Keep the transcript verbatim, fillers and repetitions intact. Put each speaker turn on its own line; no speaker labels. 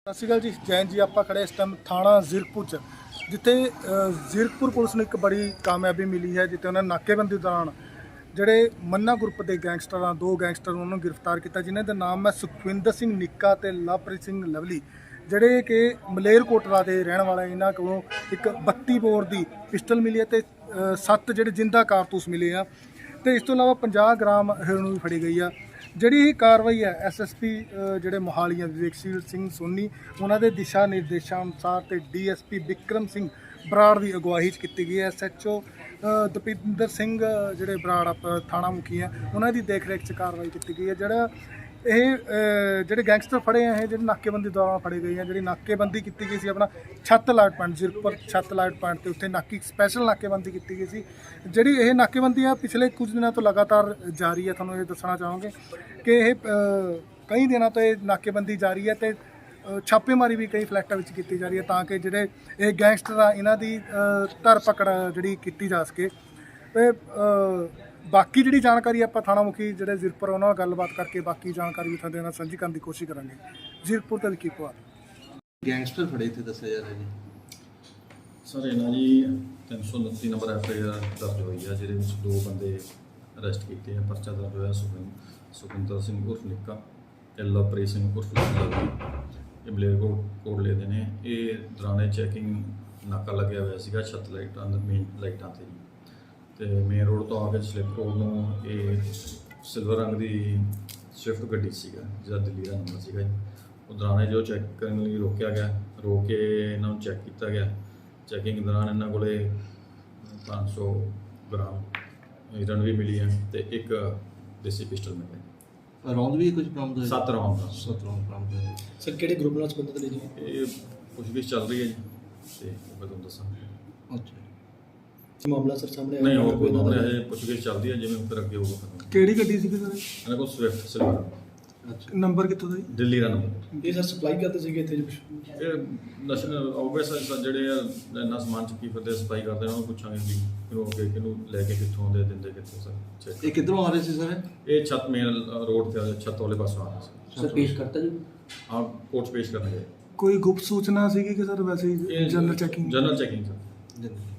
ਸਤਿ ਸ਼੍ਰੀ ਅਕਾਲ ਜੀ, ਜੈਨ ਜੀ। ਆਪਾਂ ਖੜੇ ਇਸ ਟਾਈਮ ਥਾਣਾ ਜ਼ੀਰਕਪੁਰ 'ਚ, ਜਿੱਥੇ ਜ਼ੀਰਕਪੁਰ ਪੁਲਿਸ ਨੂੰ ਇੱਕ ਬੜੀ ਕਾਮਯਾਬੀ ਮਿਲੀ ਹੈ, ਜਿੱਥੇ ਉਹਨਾਂ ਨੇ ਨਾਕੇਬੰਦੀ ਦੌਰਾਨ ਜਿਹੜੇ ਮੰਨਾ ਗਰੁੱਪ ਦੇ ਗੈਂਗਸਟਰਾਂ ਦੋ ਗੈਂਗਸਟਰ ਉਹਨਾਂ ਨੂੰ ਗ੍ਰਿਫਤਾਰ ਕੀਤਾ, ਜਿਨ੍ਹਾਂ ਦਾ ਨਾਮ ਹੈ ਸੁਖਵਿੰਦਰ ਸਿੰਘ ਨਿੱਕਾ ਤੇ ਲਵਪ੍ਰੀਤ ਸਿੰਘ ਲਵਲੀ, ਜਿਹੜੇ ਕਿ ਮਲੇਰਕੋਟਲਾ ਦੇ ਰਹਿਣ ਵਾਲੇ। ਇਹਨਾਂ ਕੋਲੋਂ ਇੱਕ ਬੱਤੀ ਬੋਰ ਦੀ ਪਿਸਟਲ ਮਿਲੀ ਹੈ ਤੇ ਸੱਤ ਜਿਹੜੇ ਜਿੰਦਾ ਕਾਰਤੂਸ ਮਿਲੇ ਆ, ਤੇ ਇਸ ਤੋਂ ਇਲਾਵਾ ਪੰਜਾਹ ਗ੍ਰਾਮ ਹੈਰੋਇਨ ਵੀ ਫੜੀ ਗਈ ਆ। ਜਿਹੜੀ ਇਹ ਕਾਰਵਾਈ ਹੈ ਐਸ ਐਸ ਪੀ ਜਿਹੜੇ ਮੋਹਾਲੀ ਵਿਵੇਕਸ਼ੀਲ ਸਿੰਘ ਸੋਨੀ ਉਹਨਾਂ ਦੇ ਦਿਸ਼ਾ ਨਿਰਦੇਸ਼ਾਂ ਅਨੁਸਾਰ ਤੇ D S P Vikram Singh Brar ਦੀ ਅਗਵਾਈ 'ਚ ਕੀਤੀ ਗਈ ਹੈ। S H O Dapinder Singh ਜਿਹੜੇ ਬਰਾੜ ਆਪ ਥਾਣਾ ਮੁਖੀ ਹੈ, ਉਹਨਾਂ ਦੀ ਦੇਖ ਰੇਖ 'ਚ ਕਾਰਵਾਈ ਕੀਤੀ ਗਈ ਹੈ। ਜਿਹੜਾ ਇਹ ਜਿਹੜੇ ਗੈਂਗਸਟਰ ਫੜੇ ਆ, ਇਹ ਜਿਹੜੇ ਨਾਕੇਬੰਦੀ ਦੌਰਾਨ ਫੜੇ ਗਏ ਆ। ਜਿਹੜੀ ਨਾਕੇਬੰਦੀ ਕੀਤੀ ਗਈ ਸੀ ਆਪਣਾ ਛੱਤ ਲਾਟ ਪੁਆਇੰਟ ਜ਼ੀਰਕਪੁਰ ਛੱਤ ਲਾਟ ਪੁਆਇੰਟ 'ਤੇ, ਉੱਥੇ ਨਾਕੀ ਸਪੈਸ਼ਲ ਨਾਕੇਬੰਦੀ ਕੀਤੀ ਗਈ ਸੀ। ਜਿਹੜੀ ਇਹ ਨਾਕੇਬੰਦੀ ਆ ਪਿਛਲੇ ਕੁਝ ਦਿਨਾਂ ਤੋਂ ਲਗਾਤਾਰ ਜਾਰੀ ਹੈ। ਤੁਹਾਨੂੰ ਇਹ ਦੱਸਣਾ ਚਾਹਾਂਗੇ ਕਿ ਇਹ ਕਈ ਦਿਨਾਂ ਤੋਂ ਇਹ ਨਾਕੇਬੰਦੀ ਜਾਰੀ ਹੈ ਤੇ ਛਾਪੇਮਾਰੀ ਵੀ ਕਈ ਫਲੈਟਾਂ ਵਿੱਚ ਕੀਤੀ ਜਾ ਰਹੀ ਹੈ, ਤਾਂ ਕਿ ਜਿਹੜੇ ਇਹ ਗੈਂਗਸਟਰ ਆ ਇਹਨਾਂ ਦੀ ਧਰ ਪਕੜ ਜਿਹੜੀ ਕੀਤੀ ਜਾ ਸਕੇ। ਤੇ ਬਾਕੀ ਜਿਹੜੀ ਜਾਣਕਾਰੀ ਆਪਾਂ ਥਾਣਾ ਮੁਖੀ ਜਿਹੜੇ ਜ਼ੀਰਕਪੁਰ ਉਹਨਾਂ ਨਾਲ ਗੱਲਬਾਤ ਕਰਕੇ ਬਾਕੀ ਜਾਣਕਾਰੀ ਵੀ ਤੁਹਾਡੇ ਨਾਲ ਸਾਂਝੀ ਕਰਨ ਦੀ ਕੋਸ਼ਿਸ਼ ਕਰਾਂਗੇ। ਜ਼ੀਰਕਪੁਰ ਤੋਂ ਕੀ ਪਵਾ
ਗੈਂਗਸਟਰ ਫੜੇ ਇੱਥੇ ਦੱਸਿਆ ਜਾ ਰਿਹਾ ਜੀ
ਸਰ, ਇਹਨਾਂ ਜੀ ਤਿੰਨ ਸੌ ਉਨੱਤੀ ਨੰਬਰ ਐਫ ਆਈ ਆਰ ਦਰਜ ਹੋਈ ਆ, ਜਿਹਦੇ ਵਿੱਚ ਦੋ ਬੰਦੇ ਅਰੈਸਟ ਕੀਤੇ ਆ। ਪਰਚਾ ਦਰਜ ਹੋਇਆ ਸੁਖਿੰ ਸੁਖਿੰਦਰ ਸਿੰਘ ਉਰਫ ਨਿੱਕਾ ਤੇ ਲਵਪ੍ਰੀਤ ਸਿੰਘ ਉਰਫ ਲਵਲੀ, ਇਹ ਮਲੇਰਕੋਟਲੇ ਦੇ ਨੇ। ਇਹ ਦੌਰਾਨੇ ਚੈਕਿੰਗ ਨਾਕਾ ਲੱਗਿਆ ਹੋਇਆ ਸੀਗਾ ਛੱਤ ਲਾਈਟਾਂ ਮੇਨ ਲਾਈਟਾਂ 'ਤੇ, ਤੇ ਮੇਨ ਰੋਡ ਤੋਂ ਆ ਕੇ ਸਲਿੱਪ ਰੋਡ ਨੂੰ ਇਹ ਸਿਲਵਰ ਰੰਗ ਦੀ ਸਵਿਫਟ ਗੱਡੀ ਸੀਗਾ, ਜਿਹਦਾ ਦਿੱਲੀ ਦਾ ਨੰਬਰ ਸੀਗਾ ਜੀ। ਉਹ ਦੌਰਾਨੇ ਜੋ ਚੈੱਕ ਕਰਨ ਲਈ ਰੋਕਿਆ ਗਿਆ, ਰੋਕ ਕੇ ਇਹਨਾਂ ਨੂੰ ਚੈੱਕ ਕੀਤਾ ਗਿਆ। ਚੈਕਿੰਗ ਦੌਰਾਨ ਇਹਨਾਂ ਕੋਲੇ ਪੰਜ ਸੌ ਗ੍ਰਾਮ ਹੀਰੋਇਨ ਵੀ ਮਿਲੀ ਹੈ ਤੇ ਇੱਕ ਦੇਸੀ ਪਿਸਟਲ ਮਿਲਿਆ।
ਰੌਂਦ ਵੀ ਕੁਝ ਬਰਾਮਦ ਹੋਇਆ?
ਸੱਤ ਰੌਂਦ ਦਾ
ਸੱਤ ਰੌਂਦ ਬਰਾਮਦ ਹੋਏ।
ਸਰ ਕਿਹੜੇ ਗਰੁੱਪ ਨਾਲ ਸੰਬੰਧਿਤ ਨੇ ਜੀ?
ਇਹ ਪੁੱਛਗਿੱਛ ਚੱਲ ਰਹੀ ਹੈ ਜੀ, ਤੇ ਮੈਂ ਤੁਹਾਨੂੰ ਦੱਸਾਂਗਾ।
ਅੱਛਾ,
ਮਾਮਲਾ ਸਰ ਸਾਹਮਣੇ
ਨਹੀਂ ਹੋਰ ਕੋਈ ਮਾਮਲਾ ਹੈ, ਪੁੱਛਗਿੱਛ ਚੱਲਦੀ ਹੈ, ਜਿਵੇਂ ਫਿਰ ਅੱਗੇ ਹੋਊਗਾ।
ਕਿਹੜੀ ਗੱਡੀ ਸੀ ਸਰ?
ਇਹਨਾਂ ਕੋਲ ਸਵਿਫਟ ਸਿਲਵਰ,
ਅੱਛਾ।
ਨੰਬਰ ਕਿੱਥੋਂ ਦਾ ਜੀ?
ਦਿੱਲੀ ਦਾ ਨੰਬਰ।
ਇਹ ਸਰ ਸਪਲਾਈ ਕਰਦੇ ਸੀਗੇ ਇੱਥੇ?
ਇਹ ਨੈਸ਼ਨਲ ਆਊਗਸ ਜਿਹੜੇ ਆ ਇੰਨਾ ਸਮਾਨ ਚੱਕੀ ਫਿਰਦੇ ਸਪਲਾਈ ਕਰਦੇ ਉਹਨਾਂ ਨੂੰ ਪੁੱਛਾਂਗੇ ਵੀ ਕਿਹਨੂੰ ਅੱਗੇ ਕਿਹਨੂੰ ਲੈ ਕੇ ਕਿੱਥੋਂ ਆਉਂਦੇ ਦਿੰਦੇ ਕਿੱਥੋਂ ਸਰ ਚੈੱਕ।
ਇਹ ਕਿੱਧਰੋਂ ਆ ਰਹੇ ਸੀ ਸਰ?
ਇਹ ਛੱਤ ਮੇਨ ਰੋਡ ਤੇ ਛੱਤ ਵਾਲੇ ਪਾਸੋਂ ਆ ਰਿਹਾ ਸੀ।
ਸਰ ਪੇਸ਼ ਕਰਤਾ ਜੀ?
ਹਾਂ, ਕੋਰਟ 'ਚ ਪੇਸ਼ ਕਰਨਗੇ।
ਕੋਈ ਗੁਪਤ ਸੂਚਨਾ ਸੀਗੀ ਕਿ ਸਰ ਵੈਸੇ ਹੀ general checking?
General checking sir.